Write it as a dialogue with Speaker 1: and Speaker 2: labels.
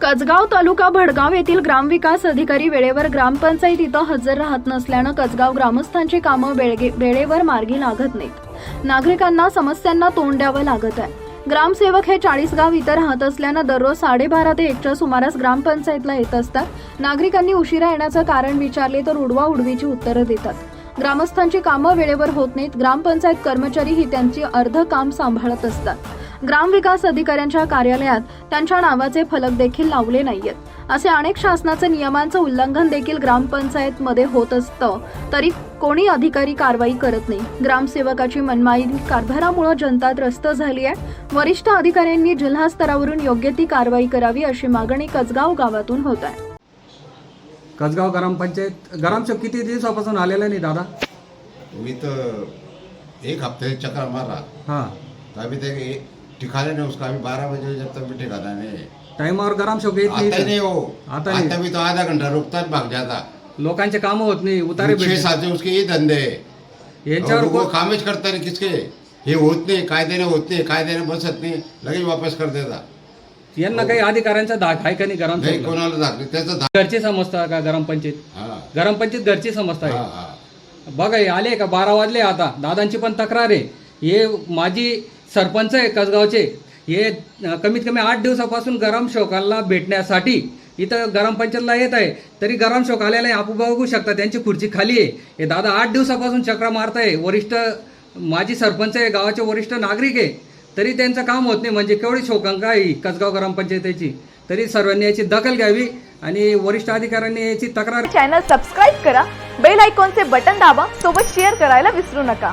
Speaker 1: कसगाव तालुका भडगाव येथील ग्रामविकास अधिकारी वेळेवर ग्रामपंचायत इथं हजर राहत नसल्यानं कसगाव ग्रामस्थांची कामं वेळेवर मार्गी लागत नाहीत। नागरिकांना समस्यांना तोंड द्यावं लागत आहे। ग्रामसेवक हे 40 गाव इथं राहत असल्यानं दररोज 12:30 ते 1च्या सुमारास ग्रामपंचायतला येत असतात। नागरिकांनी उशिरा येण्याचं कारण विचारले तर उडवाउडवीची उत्तरं देतात। ग्रामस्थांची कामं वेळेवर होत नाहीत। ग्रामपंचायत कर्मचारी ही त्यांची अर्ध काम सांभाळत असतात। ग्रामविकास अधिकाऱ्यांच्या कार्यालयात त्यांच्या नावाचे फलक देखील लावले नाहीयेत। असे अनेक शासनाचे नियमांचं उल्लंघन देखील ग्रामपंचायत मध्ये होत असतं तरी कोणी अधिकारी कारवाई करत नाही। ग्रामसेवकाची मनमानी कारभारामुळे जनता त्रस्त झाली आहे। वरिष्ठ अधिकाऱ्यांनी जिल्हा स्तरावरून योग्य ती कारवाई करावी अशी मागणी कसगाव गावातून होत आहे।
Speaker 2: कसगाव ग्रामपंचायत ग्रामसेवक किती दिवसापासून आलेला नाही दादा?
Speaker 3: मी तर एक हफ्ते चक्कर मारा।
Speaker 2: हाँ
Speaker 3: तो अभी तक ठिकाने नहीं उसका। अभी 12 बजे जब तक भी ठिकाना नहीं।
Speaker 2: टाइमावर ग्रामसेवक येत
Speaker 3: आता ही नहीं हो।
Speaker 2: आता नहीं।
Speaker 3: आता भी तो आधा घंटा रुकता है, भाग जाता।
Speaker 2: लोकांचे काम होत नाही, उतारे
Speaker 3: 6-7 उसके ये धंधे
Speaker 2: याच्यावर
Speaker 3: वो कामेज करता नहीं। किसके हे होत नाही, कायद्याने होत नाही, कायद्याने बसत नाही, लगेच वापस कर देता।
Speaker 2: यांना काही अधिकाऱ्यांचा धाक आहे का नाही?
Speaker 3: नाही,
Speaker 2: ग्रामसेवक
Speaker 3: कोणाला दाखले त्याचं
Speaker 2: घरची समजता का ग्रामपंचायत?
Speaker 3: हा
Speaker 2: ग्रामपंचायत घरची समजता
Speaker 3: हा
Speaker 2: आहे।
Speaker 3: हा
Speaker 2: बघा हे आले का 12 वाजले। आता दादांची पण तक्रार आहे। हे माजी सरपंच आहे कसगावचे। हे कमीत कमी 8 दिवसापासून ग्रामसेवकाला भेटण्यासाठी इथं ग्रामपंचायतला येत आहे, तरी ग्रामसेवक आलेला आहे। आपण बघू शकता त्यांची खुर्ची खाली आहे। हे दादा 8 दिवसापासून चक्रा मारताय। वरिष्ठ माजी सरपंच आहे, गावाचे वरिष्ठ नागरिक आहे, तरी त्यांचं काम होत नाही। म्हणजे केवढी शोकांका आहे कसगाव ग्रामपंचायतीची। तरी सर्वांनी याची दखल घ्यावी आणि वरिष्ठ अधिकाऱ्यांनी याची तक्रार।
Speaker 4: चॅनल सबस्क्राइब करा, बेल आयकॉनचे बटन दाबा, सोबत शेअर करायला विसरू नका।